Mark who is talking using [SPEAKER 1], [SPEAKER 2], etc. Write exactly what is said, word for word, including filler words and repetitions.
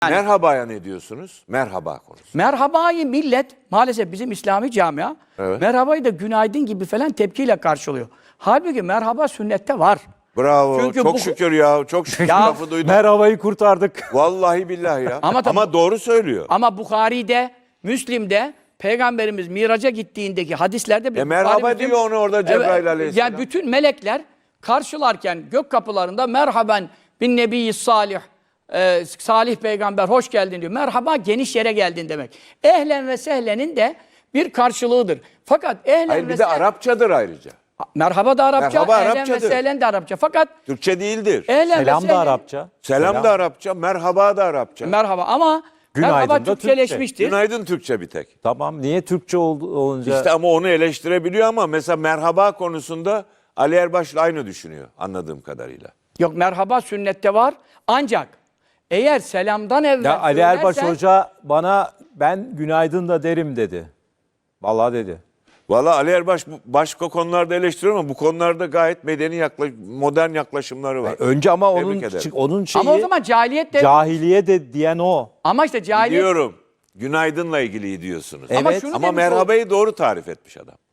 [SPEAKER 1] Yani,
[SPEAKER 2] Merhabaya ne diyorsunuz? Merhaba konusu.
[SPEAKER 1] merhabayı millet maalesef bizim İslami camia
[SPEAKER 2] Evet.
[SPEAKER 1] merhabayı da günaydın gibi falan tepkiyle karşılıyor. Halbuki merhaba sünnette var.
[SPEAKER 2] Bravo.
[SPEAKER 1] Çünkü
[SPEAKER 2] çok
[SPEAKER 1] bu-
[SPEAKER 2] şükür ya. Çok şükür
[SPEAKER 1] Ya,
[SPEAKER 2] lafı duydum.
[SPEAKER 3] Merhabayı kurtardık.
[SPEAKER 2] Vallahi billahi ya.
[SPEAKER 1] Ama
[SPEAKER 2] Ama,
[SPEAKER 1] tabii-
[SPEAKER 2] doğru söylüyor.
[SPEAKER 1] Ama Bukhari'de, Müslim'de Peygamberimiz miraca gittiğindeki hadislerde...
[SPEAKER 2] E merhaba
[SPEAKER 1] Bukhari, Müslim-
[SPEAKER 2] diyor onu orada Cebrail aleyhisselam.
[SPEAKER 1] Yani bütün melekler karşılarken gök kapılarında merhaben bin nebiyyi salih, e, salih peygamber hoş geldin diyor. Merhaba geniş yere geldin demek. Ehlen ve sehlenin de bir karşılığıdır. Fakat ehlen
[SPEAKER 2] Hayır
[SPEAKER 1] ve
[SPEAKER 2] bir de
[SPEAKER 1] sehlen...
[SPEAKER 2] Arapçadır ayrıca.
[SPEAKER 1] Merhaba da Arapça,
[SPEAKER 2] Merhaba
[SPEAKER 1] ehlen ve
[SPEAKER 2] Arapçadır.
[SPEAKER 1] sehlen de Arapça. Fakat
[SPEAKER 2] Türkçe değildir.
[SPEAKER 1] ehlen ve
[SPEAKER 3] Selam da
[SPEAKER 1] sehlen-
[SPEAKER 3] Arapça.
[SPEAKER 2] Selam, da Arapça, merhaba da Arapça.
[SPEAKER 1] Merhaba ama
[SPEAKER 3] Günaydın
[SPEAKER 1] merhaba
[SPEAKER 3] da Türkçe.
[SPEAKER 1] Türkçeleşmiştir.
[SPEAKER 2] Günaydın Türkçe bir tek.
[SPEAKER 3] Tamam, niye Türkçe oldu, olunca?
[SPEAKER 2] İşte ama onu eleştirebiliyor ama mesela merhaba konusunda Ali Erbaş'la aynı düşünüyor anladığım kadarıyla.
[SPEAKER 1] Yok merhaba sünnette var. Ancak eğer selamdan evvel
[SPEAKER 3] Ya Ali Erbaş
[SPEAKER 1] söylersen-
[SPEAKER 3] Hoca bana ben günaydın da derim dedi. Vallahi dedi.
[SPEAKER 2] Valla Ali Erbaş bu- başka konularda eleştiriyor ama bu konularda gayet medeni yaklaş, modern yaklaşımları var.
[SPEAKER 3] Önce ama
[SPEAKER 2] Tebrik
[SPEAKER 3] onun
[SPEAKER 2] ederim.
[SPEAKER 3] çı- onun şeyi
[SPEAKER 1] ama o zaman cahiliyet de
[SPEAKER 3] cahiliye de diyen o.
[SPEAKER 1] ama işte cahiliyet
[SPEAKER 2] Biliyorum. Günaydınla ilgili diyorsunuz.
[SPEAKER 3] Evet.
[SPEAKER 1] ama şunu
[SPEAKER 2] Ama
[SPEAKER 1] demiş ol-
[SPEAKER 2] merhabayı doğru tarif etmiş adam.